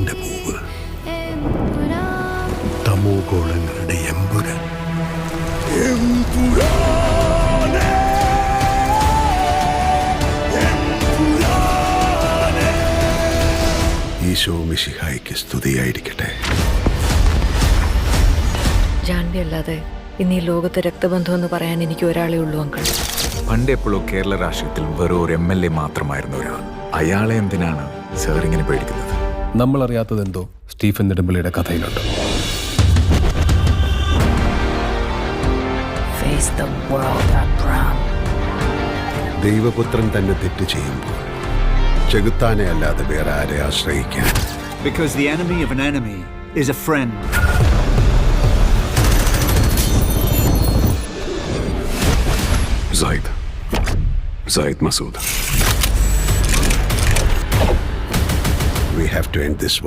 ജ്ഞാനത്തിന്റെ പൂവ്, തമോ ഗോളങ്ങളുടെ എമ്പുരാൻ. ഈശോ മിശിഹായ്ക്ക് സ്തുതിയായിരിക്കട്ടെ. ജാൻവി അല്ലാതെ ഇന്ന് ഈ ലോകത്തെ രക്തബന്ധം എന്ന് പറയാൻ എനിക്ക് ഒരാളേ ഉള്ളൂ അങ്കിൾ. പണ്ടെപ്പോഴോ കേരള രാഷ്ട്രീയത്തിൽ വെറും ഒരു MLA മാത്രമായിരുന്ന ഒരാൾ. അയാളെ എന്തിനാണ് സാർ ഇങ്ങനെ പേടിക്കുന്നത്? നമ്മൾ അറിയാത്തതെന്തോ സ്റ്റീഫൻ നെടുമ്പള്ളിയുടെ കഥയിലുണ്ട്. ദൈവപുത്രൻ തന്നെ തെറ്റ് ചെയ്യുമ്പോൾ ചെകുത്താനെ അല്ലാതെ വേറെ ആരെ ആശ്രയിക്കാൻ? Because the enemy of an enemy is a friend. Zaid Masood. We have to end this war.